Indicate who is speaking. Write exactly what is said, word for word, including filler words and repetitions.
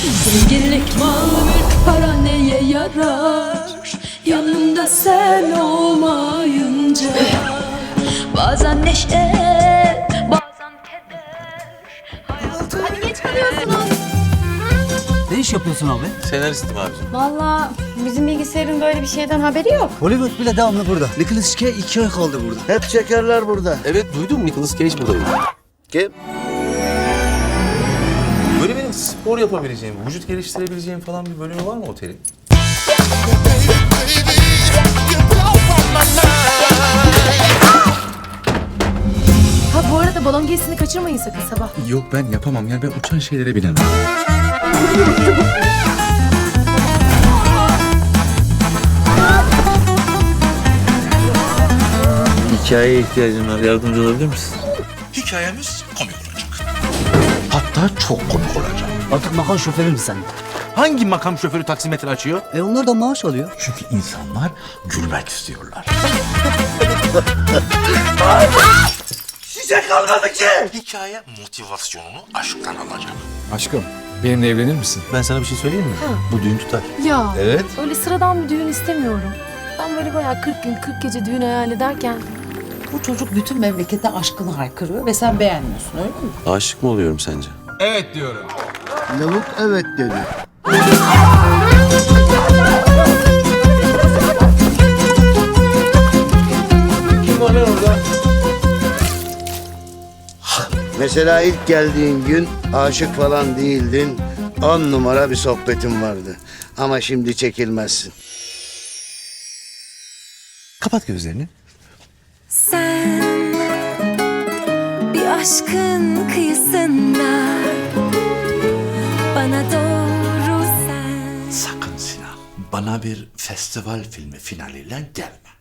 Speaker 1: Zenginlik mal mülk para neye yarar? Yanımda sen olmayınca. Bazen neşe, bazen keder. Hadi geç kalıyorsunuz.
Speaker 2: Ne iş yapıyorsun abi?
Speaker 3: Senaristim abicim.
Speaker 4: Vallahi bizim bilgisayarın böyle bir şeyden haberi yok.
Speaker 2: Hollywood bile devamlı burada. Nicolas Cage iki ay kaldı burada.
Speaker 5: Hep çekerler burada.
Speaker 3: Evet duydum, Nicolas Cage buradayım.
Speaker 5: Kim?
Speaker 3: Böyle benim spor yapabileceğim, vücut geliştirebileceğim falan bir bölümü var mı otelin?
Speaker 4: Ha bu arada balon gezisini kaçırmayın sakın sabah.
Speaker 6: Yok ben yapamam yani ben uçan şeylere binemem.
Speaker 3: Hikayeye ihtiyacım var, yardımcı olabilir misin?
Speaker 6: Hikayemiz komik olacak. Hatta çok komik olacak.
Speaker 2: Artık makam şoförü müsün sen?
Speaker 6: Hangi makam şoförü taksimetre açıyor?
Speaker 2: E onlar da maaş alıyor.
Speaker 6: Çünkü insanlar gülmek istiyorlar.
Speaker 5: Size kalmadı ki.
Speaker 6: Hikaye motivasyonunu aşktan alacak.
Speaker 7: Aşkım, benimle evlenir misin?
Speaker 3: Ben sana bir şey söyleyeyim mi? Bu düğün tutar.
Speaker 4: Ya
Speaker 3: Evet.
Speaker 4: öyle sıradan bir düğün istemiyorum. Ben böyle bayağı kırk gün kırk gece düğün hayal ederken
Speaker 8: Bu çocuk bütün memlekete aşkını haykırıyor ve sen beğenmiyorsun öyle mi?
Speaker 3: Aşık mı oluyorum sence?
Speaker 7: Evet diyorum.
Speaker 5: Lavuk evet dedi.
Speaker 3: Kim var lan orada?
Speaker 5: Mesela ilk geldiğin gün aşık falan değildin. On numara bir sohbetin vardı. Ama şimdi çekilmezsin.
Speaker 6: Kapat gözlerini.
Speaker 1: Sen bir aşkın kıyısında, bana doğru sen.
Speaker 6: Sakın Sinan bana bir festival filmi finaliyle gelme.